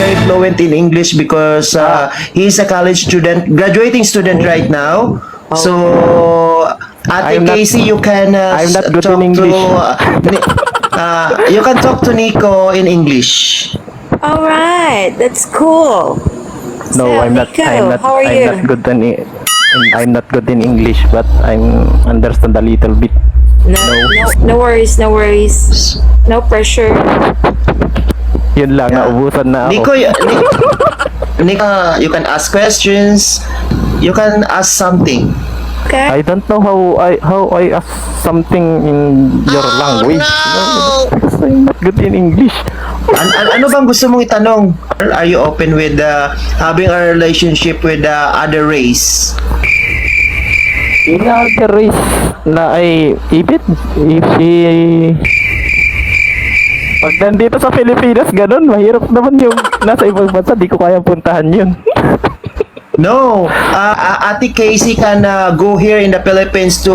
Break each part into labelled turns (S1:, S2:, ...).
S1: very fluent in English because he's a college student, graduating student right now. So, Ate
S2: I'm not-
S1: Casey, you can
S2: I'm not good
S1: talk
S2: in
S1: to
S2: English.
S1: you can talk to Nico in English.
S3: All right, that's cool.
S2: No,
S3: So,
S2: I'm not.
S3: Nico,
S2: I'm not.
S3: how are
S2: I'm
S3: you?
S2: not good I'm not good in English, but I'm understand a little bit.
S3: No worries, no worries. No pressure.
S2: Yun lang,
S1: Yeah.
S2: naubusan na ako.
S1: Nico, Nico, you can ask questions. You can ask something.
S3: Okay.
S2: I don't know how I ask something in your language. No. Because I'm not good in English.
S1: Ano bang gusto mong itanong? Are you open with having a relationship with other race?
S2: In other race na ay if she pag nandito sa Pilipinas, ganun, mahirap naman yung nasa ibang bansa, di ko kaya puntahan yun.
S1: No, Ate Casey can go here in the Philippines to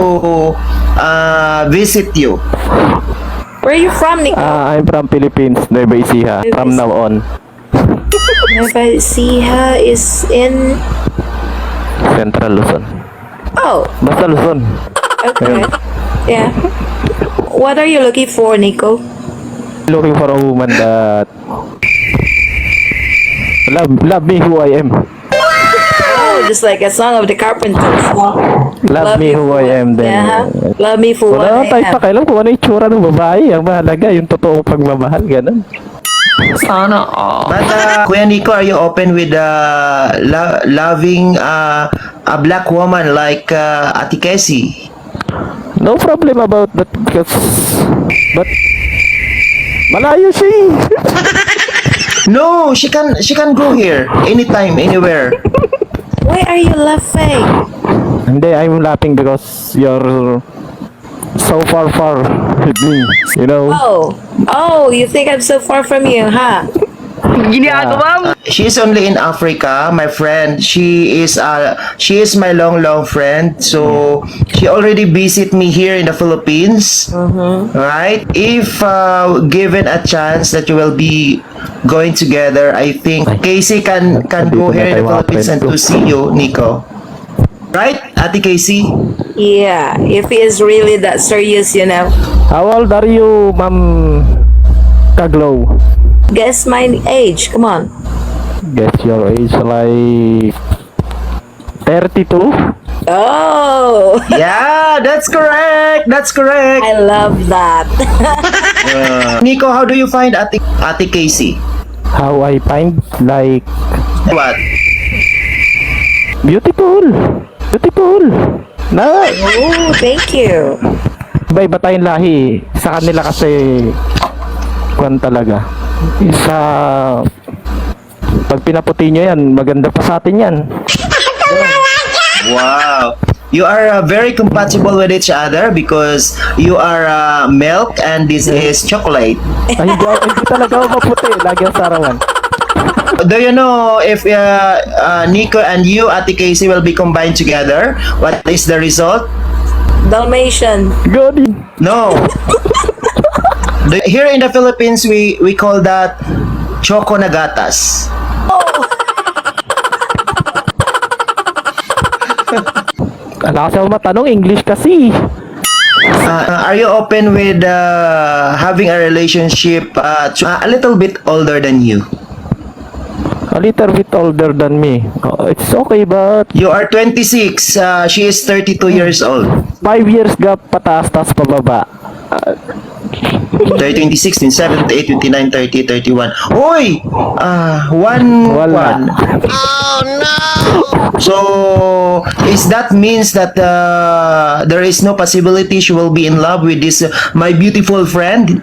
S1: visit you.
S3: Where are you from, Nico?
S2: I'm from Philippines, Nueva Ecija, from now on.
S3: Nueva Ecija is in...
S2: Central Luzon.
S3: Oh,
S2: Basta Luzon.
S3: okay. Yeah. What are you looking for, Nico?
S2: Looking for a woman that love me who I am.
S3: Oh, just like a song of the Carpenters.
S2: Love me
S3: you
S2: who
S3: for-
S2: I am then.
S3: Yeah. Love me for
S2: Wala
S3: what
S2: tayo
S3: I am.
S2: pakialam kung ano yung tsura ng babae. Ang mahalaga, yung totoong pagmamahal, ganun.
S1: But Kuya Nico, are you open with loving a black woman like Ate Casey?
S2: No problem about that because but malayo siya eh.
S1: No, she can go here anytime, anywhere.
S3: Why are you laughing?
S2: Hindi, I'm laughing because you're so far with me, you know.
S3: Oh, you think I'm so far from you, huh?
S1: She's only in Africa, my friend. She is my long friend. So she already visit me here in the Philippines. Right? If given a chance that you will be going together, I think Casey can go here in the Philippines and to see you, Nico. Right, Ate Casey?
S3: Yeah, if he is really that serious, you know.
S2: How old are you, Ma'am Kaglow?
S3: Guess my age, come on.
S2: Guess your age like 32?
S3: Oh,
S1: Yeah, that's correct. That's correct.
S3: I love that.
S1: Nico, how do you find Ate Casey?
S2: How I find like
S1: What?
S2: beautiful. Na,
S3: Oh, thank you.
S2: iba-iba tayong lahi. Sa kanila kasi kwan talaga. Isa pag pinaputi nyo yan, maganda pa sa atin yan.
S1: Wow. You are very compatible with each other because you are milk and this is chocolate.
S2: Ay, hindi talaga ako maputi. Lagi ang sarawan.
S1: Do you know if Nico and you, Ate Casey, will be combined together? What is the result?
S3: Dalmatian.
S2: Good.
S1: No. Here in the Philippines, we call that choco nagatas.
S2: Ala kasi ako matanong, English kasi.
S1: Are you open with having a relationship a little bit older than you?
S2: A little bit older than me. Oh, it's okay, but
S1: You are 26. She is 32 years old.
S2: 5 years gap pataas-taas pababa.
S1: 30, 20, 16, 17, 18, 29, 30, 31. Hoy!
S2: Wala.
S1: So, is that means that there is no possibility she will be in love with this my beautiful friend?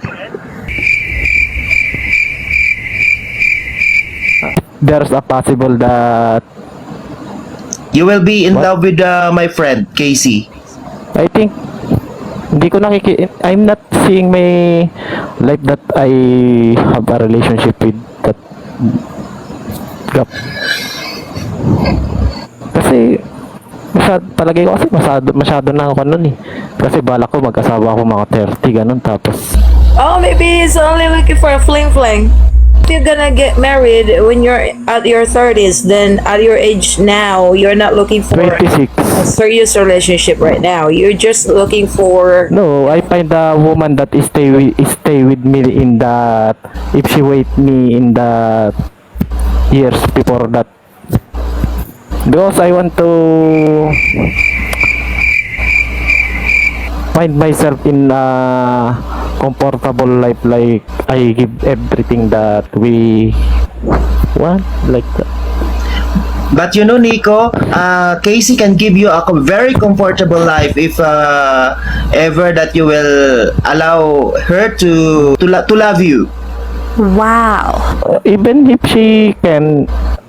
S2: There's a possible that
S1: You will be in
S2: What?
S1: love with my friend, Casey.
S2: I think hindi ko I'm not seeing my life that I have a relationship with that gap. Kasi palagay ko kasi masyado na ako nun eh. Kasi balak ko mag-asawa ako mga 30 ganun tapos
S3: Oh, maybe he's only looking for a fling fling. If you're gonna get married when you're at your 30s, then at your age now, you're not looking for
S2: 26.
S3: a serious relationship right now. You're just looking for
S2: No, I find a woman that stay with me in that, if she wait me in the years before that. Because I want to find myself in a comfortable life, like I give everything that we want, like that.
S1: But you know, Nico, Casey can give you a very comfortable life if ever that you will allow her to love you.
S3: wow.
S2: Even if she can,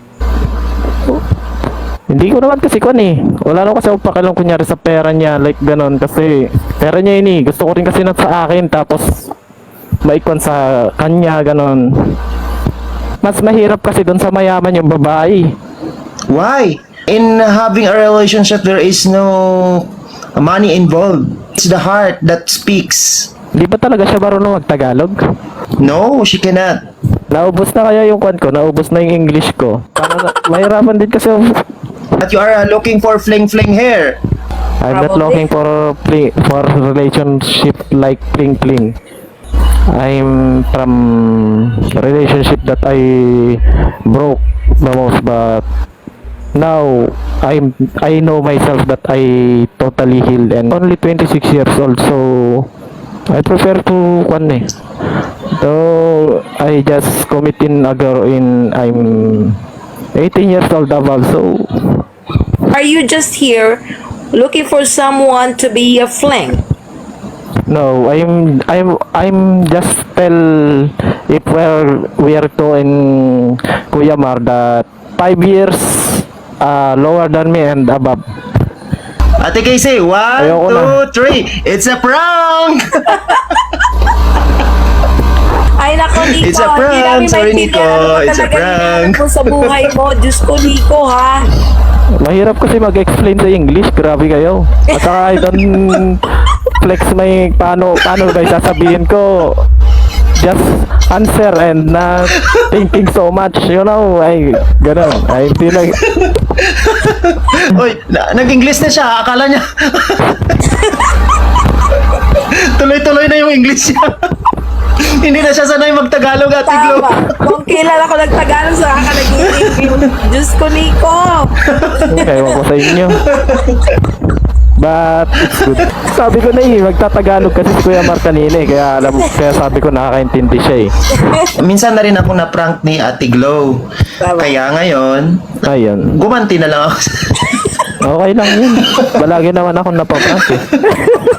S2: hindi ko naman kasi kun eh. Wala naman kasi ako pakialam kunyari sa pera niya, like ganon, kasi pera niya yun eh. Gusto ko rin kasi na sa akin, tapos maikwan sa kanya, ganon. Mas mahirap kasi doon sa mayaman yung babae.
S1: Why? In having a relationship, there is no money involved. It's the heart that speaks.
S2: Di ba talaga siya marunong mag-Tagalog?
S1: No, she cannot.
S2: Naubos na kaya yung kwan ko, naubos na yung English ko. Mahirapan din kasi
S1: But you are looking for fling-fling hair.
S2: I'm not
S3: Probably.
S2: looking for relationship like fling. I'm from relationship that I broke the most, but now I know myself that I totally healed and only 26 years old, so I prefer to though I just committing a girl in I'm 18 years old above, so
S3: Are you just here looking for someone to be a fling?
S2: no, I'm just tell if we are to in Kuya Mar that 5 years lower than me and above.
S1: Ate Casey, 1,
S2: Ayoko na.
S1: 2, 3. It's a prank!
S3: Ay nako, Nico.
S1: It's a prank.
S3: Hindi namin
S1: Sorry,
S3: maintindihan
S1: Nico.
S3: ano
S1: It's a
S3: talaga
S1: prank.
S3: hinahanap mo sa buhay mo. Diyos ko, Nico, ha?
S2: Mahirap kasi mag-explain sa English, grabe kayo. At saka I don't flex may paano ba sasabihin ko. Just answer and not thinking so much, you know, ay ganun. I feel like
S1: Uy, nag-English na siya. Akala niya. Tuloy-tuloy na yung English niya. Hindi na siya sanay mag-Tagalog, Ate Glo.
S3: Tama. Kung kailan ako nagtagalog sa ka nag-i-review. Diyos ko, Nico.
S2: ewan ko sa inyo. But it's good. Sabi ko na magtatagalog kasi si Kuya Mar kanina eh. Kaya sabi ko nakakaintindi siya eh.
S1: Minsan na rin ako na-prank ni Ate Glo.
S3: Tama.
S1: Kaya ngayon,
S2: Ayun.
S1: gumanti na lang ako.
S2: Okay lang yun. Balagi naman ako napaprank eh.